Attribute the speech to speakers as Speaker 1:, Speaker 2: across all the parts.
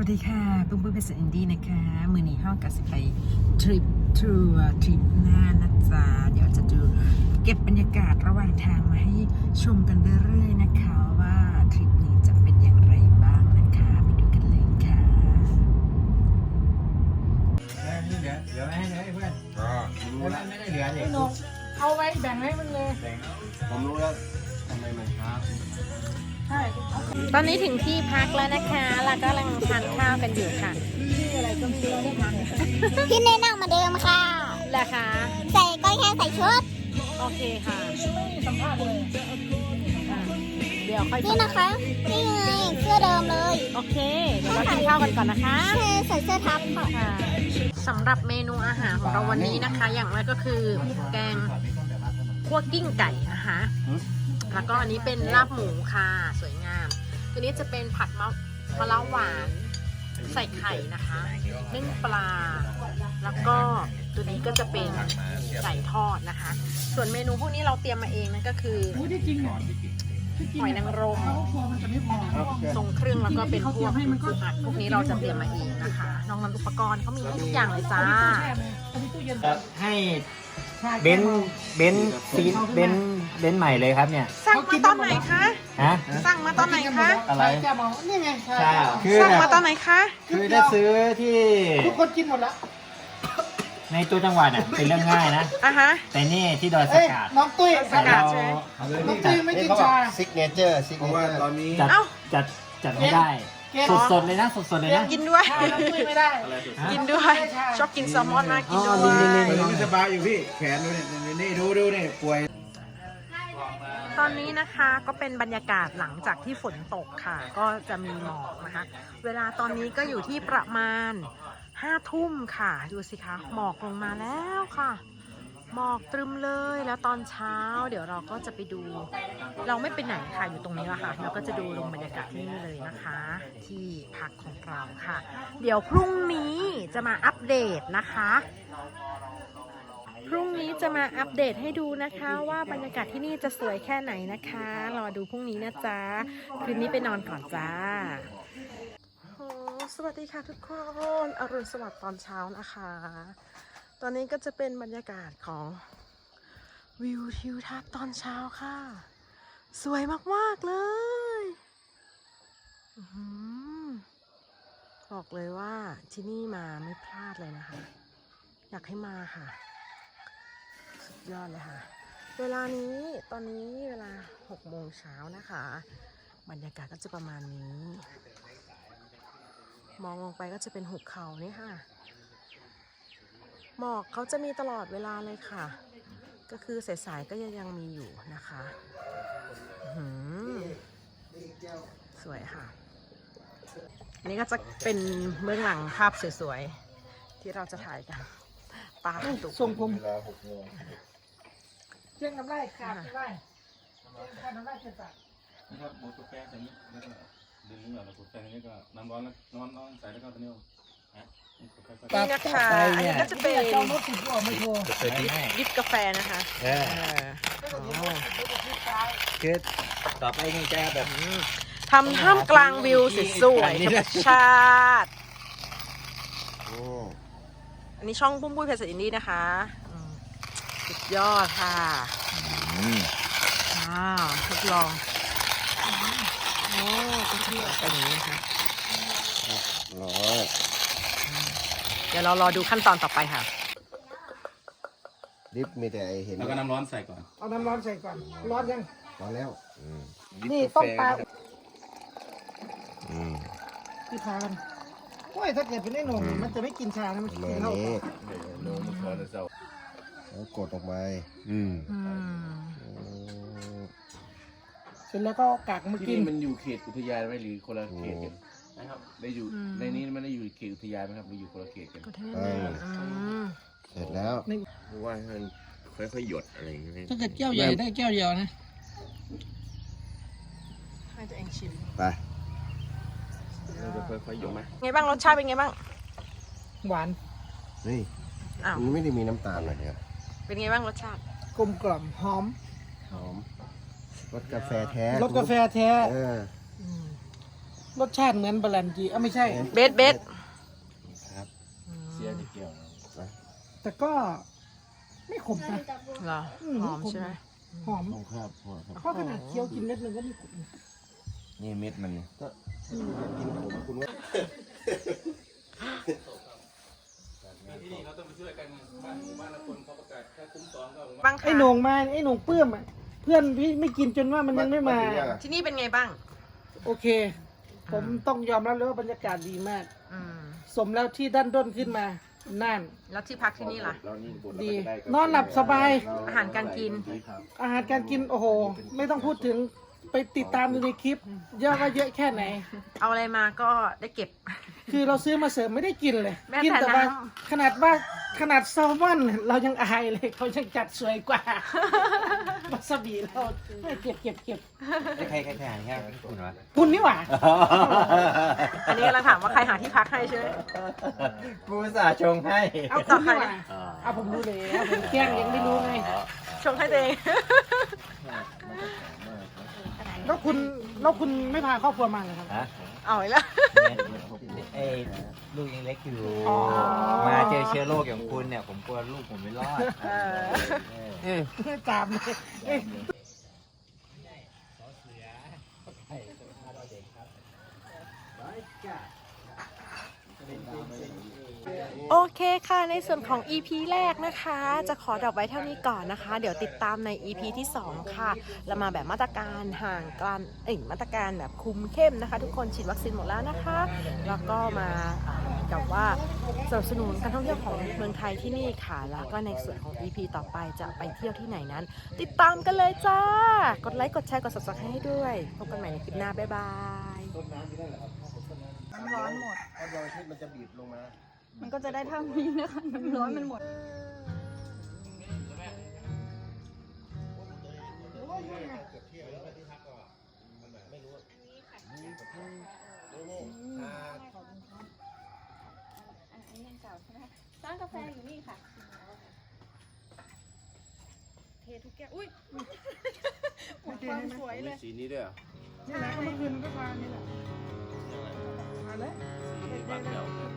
Speaker 1: วัสดีค่ะปุ้มปุ้ยเป็นสอินดี้นะคะมือนี้ห้องกับสิไปทริปทัวร์ทริปหน้านะจ๊ะเดี๋ยวจะดูเก็บบรรยากาศระหว่างทางมาให้ชมกันเรื่อยๆนะคะว่าทริปนี้จะเป็นอย่างไรบ้างนะคะไปดูกันเลยค่ะ
Speaker 2: เหลือไว้ให้เลยเพื่อนไม่ได้เหลือเลย
Speaker 3: เอาไว้แบ่งให้มันเลย
Speaker 2: ผมรู้แล้วทำไมมันช้า
Speaker 3: ใช่
Speaker 1: ตอนนี้ถึงที่พักแล้วนะคะแล้วก็กำลังทานข้าวกันอยู่ค่ะ
Speaker 3: ชื่ออะไรก็ไม่รู้ได้ทาน
Speaker 4: พี่แนะนำมาเดิมค่ะ
Speaker 1: แหละคะ
Speaker 4: ใส่ก็แค่ใส่ชุด
Speaker 1: โอเคค่ะ
Speaker 3: ไม่สัมภาษณ์เลย
Speaker 1: เดี๋ยวค่อย
Speaker 4: นี่นะคะ นี่ไงเสื้อเดิมเลย
Speaker 1: โอเคเดี๋ยวเรากินข้าวกันก่อนนะคะ
Speaker 4: แค่ใส่เสื้อทับค่ะ
Speaker 1: ค่ะสำหรับเมนูอาหารของเราวันนี้นะคะ อย่างแรกก็คือแกงคั่วกิ้งไก่นะคะแล้วก็อันนี้เป็นลาบหมูค่ะสวยงาม ตัวนี้จะเป็นผัดมะระหวานใส่ไข่นะคะนึ่งปลา แล้วก็ตัวนี้ก็จะเป็นไก่ทอดนะคะ ส่วนเมนูพวกนี้เราเตรียมมาเองนั่นก็คือ
Speaker 3: รู้ที่จริงเหรอ
Speaker 1: หอยนางรม
Speaker 3: เขาครัวมันจะไม่พอ
Speaker 1: ทรงเครื่องแล้วก็เป็นพวกปูอัดพวกนี้เราจะเตรียมมาเองนะคะนอกนั้นอุปกรณ์เขามีให้ทุกอย่างเลยจ้า
Speaker 2: ให้เบนซีเบนใหม่เลยครับเนี่ย
Speaker 1: สั่งมาตอนไหนคะ
Speaker 2: ฮะ
Speaker 1: สั่งมาตอนไหนคะ
Speaker 2: อะไร
Speaker 3: แกบอกนี่ไง
Speaker 2: ใช่คือ
Speaker 1: สั่ง
Speaker 2: แบ
Speaker 1: มา
Speaker 2: บ
Speaker 1: ตอนไหนคะ
Speaker 2: คือถ้าซื้อที่
Speaker 3: ทุกคนกินหมดแล้ว
Speaker 2: ในตัวจังหวัดเนี่ยเป็นเรื่องง่ายนะ
Speaker 1: อ่ะฮะ
Speaker 2: แต่นี่ที่ดอยส
Speaker 3: เอ้ย
Speaker 2: กัด
Speaker 3: น้องตุ้ย
Speaker 1: สกัดใช่ไหม
Speaker 3: น้องตุ้ยไม่กินชา
Speaker 5: ซิกเนเจอร์เพราะว่าตอนนี้
Speaker 2: จัด
Speaker 1: เอ้า
Speaker 2: จัดไม่ได้
Speaker 3: เกม
Speaker 2: สดๆเลยนะสดๆเลยนะ
Speaker 1: กินด้วย
Speaker 3: น้องตุ้ยไม่ได้
Speaker 1: กินด้วย ชอบกินแซลมอนมากกินด้ว
Speaker 2: อ๋อนี่
Speaker 1: ย
Speaker 5: ไม่สบายอยู่พี่แขนดูนี่ดูนี่ป่วย
Speaker 1: ตอนนี้นะคะก็เป็นบรรยากาศหลังจากที่ฝนตกค่ะ ก็จะมีหมอกนะคะ เวลาตอนนี้ก็อยู่ที่ประมาณ5 ทุ่มค่ะ ดูสิคะหมอกลงมาแล้วค่ะ หมอกตรึมเลยแล้วตอนเช้า เดี๋ยวเราก็จะไปดู เราไม่ไปไหนค่ะอยู่ตรงนี้แหละค่ะเราก็จะดูลงบรรยากาศที่นี่เลยนะคะ ที่พักของเราค่ะ เดี๋ยวพรุ่งนี้จะมาอัปเดตนะคะ พรุ่งนี้จะมาอัปเดตให้ดูนะคะว่าบรรยากาศที่นี่จะสวยแค่ไหนนะคะรอดูพรุ่งนี้นะจ๊ะคืนนี้ไปนอนก่อนจ้าสวัสดีค่ะทุกคนอรุณสวัสดิ์ตอนเช้านะคะ ตอนนี้ก็จะเป็นบรรยากาศของวิวทิวทัศน์ตอนเช้าค่ะ สวยมากๆเลยบอกเลยว่าที่นี่มาไม่พลาดเลยนะคะ อยากให้มาค่ะสุดยอดเลยค่ะเวลานี้ตอนนี้เวลา6 โมงเช้านะคะบรรยากาศก็จะประมาณนี้มองลงไปก็จะเป็นหุบเขานี่ค่ะหมอกเขาจะมีตลอดเวลาเลยค่ะก็คือสายๆก็ยังมีอยู่นะคะสวยค่ะอันนี้ก็จะเป็นเบื้องหลังภาพสวยๆที่เราจะถ่ายกันตาตุก
Speaker 3: ส่งผม
Speaker 5: เวลา6 โมง
Speaker 3: เชื่องน้ำลายขาดน้ำลายขาดน้ำลายเกินไป
Speaker 6: นะครับหมดกาแฟใส่นี้แล้วก็ดึงนี้แล้วกดแฟนี้ก็น้ำร้อนแล้วน้อนใส่แล้วก็ตัวนี้นะค่อย
Speaker 1: นี่นะคะอันนี้ก็จะเป็น
Speaker 3: จองรถถึงก็ไม่โทร
Speaker 1: ดิฟกาแฟนะคะ
Speaker 2: คือต่อไปนี่จะแบบ
Speaker 1: ทำท่ามกลางวิวสวยๆธรรมชาติ อันนี้ช่องปุ้มปุ้ยเพชรอินดี้นะคะสุดยอดค่ะทดลองโอ้ก็จะเป็นอย่างนี้นะคะเดี๋ยวเรารอดูขั้นตอนต่อไปค่ะ
Speaker 5: ลิฟต์มีแต่เห็น
Speaker 6: แล้วก็น้ำร้อนใส่ก่อน
Speaker 3: เอาน้ำร้อนใส่ก่อนร้อนยัง
Speaker 5: พอแล้ว
Speaker 3: นี่ต้มปลาที่ทานโอ้ยถ้าเกิดเป็นไอ้หนุ่มมันจะไม่กินชานะมัน
Speaker 5: ประ
Speaker 3: กิ
Speaker 5: มาน ณ
Speaker 3: เหล้า
Speaker 5: นี้แล้วกดออกมา
Speaker 3: เสร็จแล้วก็กากมา
Speaker 7: ที่
Speaker 3: กิน
Speaker 7: นี่มันอยู่เขตอุทยานไหมหรือคนละเขตกันนะครับได้อยู่ในนี้มันได้อยู่เขตอุทยานไหมครับหรืออยู่คนละเขตกัน
Speaker 5: เสร็จแล้ว
Speaker 8: ว่าให้มันค่อยๆหยดอะไรอย่างเงี้ย
Speaker 3: ถ้าเกิดแก้วใหญ่ได้แก้วเดียวนะ
Speaker 1: ให้ตัวเองชิม
Speaker 5: ไป
Speaker 8: มันจะค่อยๆหยดไหม
Speaker 1: ไงบ้างรสชาติเป็นไงบ้าง
Speaker 3: หวาน
Speaker 5: นี่
Speaker 1: อ้าว
Speaker 5: มันไม่ได้มีน้ำตาลเลยครับ
Speaker 1: เป็นไงบ้างรสชาติ
Speaker 3: กลมกล่อมหอม
Speaker 5: หอมรสกาแฟแท้
Speaker 3: รสกาแฟแท้
Speaker 5: เออ
Speaker 3: รสชาติเหมือนบาลันจีไม่ใช่
Speaker 1: เบสเบส
Speaker 5: ครับ
Speaker 7: เสียจะเกี่ยวนะ
Speaker 3: แต่ก็ไม่ขมนะ
Speaker 1: เหรอหอมใช่ไหม
Speaker 3: หอม
Speaker 7: ผมครับผมครับ
Speaker 3: เพราะขนาดเคี้ยวกินเม็ดหนึงก็ไม่ขม
Speaker 7: นี่เม็ดมัน
Speaker 5: ก็กินผมคุณว่า
Speaker 6: ที่นี่เขาต้องไปช่วยกันบ้านละคนเขาประกาศแค่คุ้ม2ก็
Speaker 1: บ้าง
Speaker 3: ไอ้
Speaker 1: ค่ะ
Speaker 3: โหนงมาไอ้โหนงเปื้มอ่ะเพื่อนพี่ไม่กินจนว่ามันยังไม่มา
Speaker 1: ที่นี่เป็นไงบ้าง
Speaker 3: โอเค ผมต้องยอมรับเลยว่าบรรยากาศดีมาก
Speaker 1: อืม
Speaker 3: สมแล้วที่ด้านด้นขึ้นมาน่าน
Speaker 1: แล้วที่พักที่นี่ล่ะ
Speaker 7: เรานี่บน
Speaker 3: ดี นอนหลับสบาย
Speaker 1: อาหารการกิน
Speaker 3: อาหารการกินโอ้โห ไม่ต้องพูดถึงไปติดตามดูในคลิป เยอะว่าเยอะแค่ไหน
Speaker 1: เอาอะไรมาก็ได้เก็บ
Speaker 3: คือเราซื้อมาเสริมไม่ได้กินเลย
Speaker 1: แม้แต่
Speaker 3: กิแต่ว่า
Speaker 1: น้
Speaker 3: ขนาดแซลมอนเรายังอายเลยเขายังจัดสวยกว่า วาซาบิเราเก็บ
Speaker 2: ใครหาง่ายคุณวะ
Speaker 3: คุณนี่หว่า
Speaker 1: อันนี้กำลังถามว่าใครหาที่พักให้ใช่ไหม
Speaker 2: กูสาชงให้
Speaker 3: เอาคุณนี่หว่าเอาผมรู้แล้วผมแกล้งยังไม่รู้ไง
Speaker 1: ชงให้ตัวเอง
Speaker 3: แล้วคุณไม่พาครอบครัวมาเลยครับ
Speaker 2: ฮะ
Speaker 1: เอาอีกแล้ว
Speaker 2: ไอ้ลูกยังเล็กอยู่
Speaker 3: อ๋อ
Speaker 2: มาเจอเชื้อโรคอย่างคุณเนี่ย ผมกลัวลูกผมไม่รอด
Speaker 3: ตามเลยเอ้ย
Speaker 1: โอเคค่ะ ในส่วนของ EP แรกนะคะ จะขอดรอปไว้เท่านี้ก่อนนะคะ เดี๋ยวติดตามใน EP ที่ 2 ค่ะ เรามาแบบมาตรการห่างกันมาตรการแบบคุมเข้มนะคะ ทุกคนฉีดวัคซีนหมดแล้วนะคะ แล้วก็มากับว่าสนับสนุนการท่องเที่ยวของเมืองไทยที่นี่ค่ะ แล้วก็ในส่วนของ EP ต่อไปจะไปเที่ยวที่ไหนนั้น ติดตามกันเลยจ้า กดไลค์กดแชร์กด subscribe ให้ด้วยพบกันใหม่ในคลิปหน้าบ๊ายบาย
Speaker 9: น้ำร้อนหมด
Speaker 5: ถ้าดวงอาทิตย์มันจะบีบลงมา
Speaker 9: มันก็จะได้เท่านี้นะคะ น้ำร้อนมันหมด อันนี้ยังเก่าใช่ไหมคะร้านกาแฟอยู่นี่ค่ะ เททุกแก้ว อุ้ยหมดความสวยเลย
Speaker 7: สีนี้ด้วยเหรอ
Speaker 3: นี่แหละเมื่อคืนก็มานี่แหละมาเลย
Speaker 7: สีบานเดียว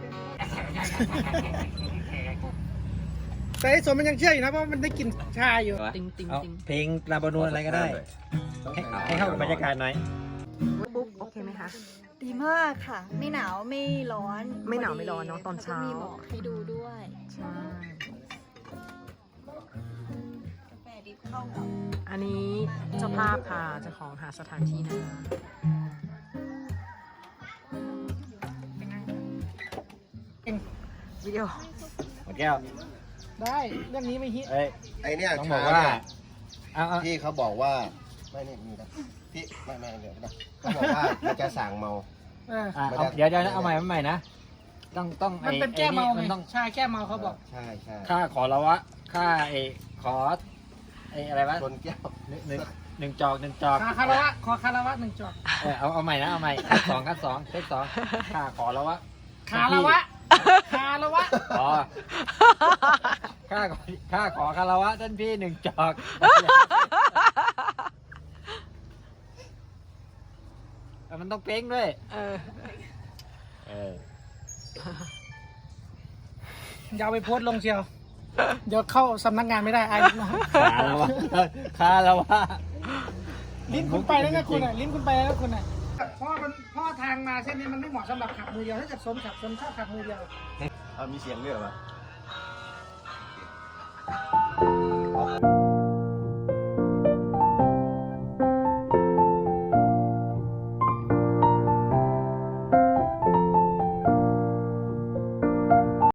Speaker 3: แต่ไอ้สมมันยังเชื่ออยู่นะเพราะมันได้กลิ่นชาอยู่
Speaker 1: ติงติง
Speaker 2: เอา
Speaker 1: ติง
Speaker 2: เพลงลาบานูนอะไรก็ได้ ให้เข้ากับบรรยากาศหน่อย
Speaker 1: ปุ๊บโอเคไหมคะ
Speaker 9: ดีมากค่ะ ไม่หนาวไม่ร้อน
Speaker 1: ไม่หนาวไม่ร้อนเนอะตอนเช้า
Speaker 9: แล้วก็มีหมอกให้ดูด้วย
Speaker 1: ใช่
Speaker 9: กาแฟดิบเข้ากับ
Speaker 1: อันนี้เจ้าภาพค่ะเจ้าของหาสถานที่นะคะ วิดีโอ
Speaker 2: หมดแก้ว
Speaker 3: ได้เรื่องนี้ไม่ฮิต
Speaker 2: เอ้ย
Speaker 5: ไอเนี่ย
Speaker 2: ต้องบอกว่า เอา
Speaker 5: ที่เขาบอกว่าไม่นี่มีนะที่ไม่เดี๋ยวนะเขาบอกว่ามันจะสั่งเมา
Speaker 3: เออ
Speaker 2: เดี๋ยวเอาใหม่นะ ต้อง
Speaker 3: มันเป็นแก้เมาไง
Speaker 2: มันต้อง
Speaker 3: ชาแก้เมาเขาบอก
Speaker 5: ใช่
Speaker 2: ค่าขอละวะ ค่าขออะไรวะ
Speaker 5: ชนแก้ว
Speaker 2: หนึ่งจอก
Speaker 3: ขอคารวะขอคารวะหนึ่งจอก
Speaker 2: เอาใหม่นะเอาใหม่ขั้นสองเทค 2ค่าขอละวะ
Speaker 3: คารวะคารวะ
Speaker 2: อ๋อค่าขอคารวะท่านพี่1 จอกมันต้องเป้งด้วย
Speaker 1: เออ
Speaker 3: อย่าเอาไปโพสต์ลงเชียว เดี๋ยวเข้าสำนักงานไม่ได้อายลูกน้อง
Speaker 2: คารวะ
Speaker 3: ลิ้นคุณไปแล้วนะคุณอ่ะลิ้นคุณไปแล้วคุณอ่ะพ่อทางมาเส้นนี้มันไม่เหมาะสำหรับขับมือเดียวถ้าจะสนชอบขับมือเดียว
Speaker 5: มีเสียงด้วยเหรอ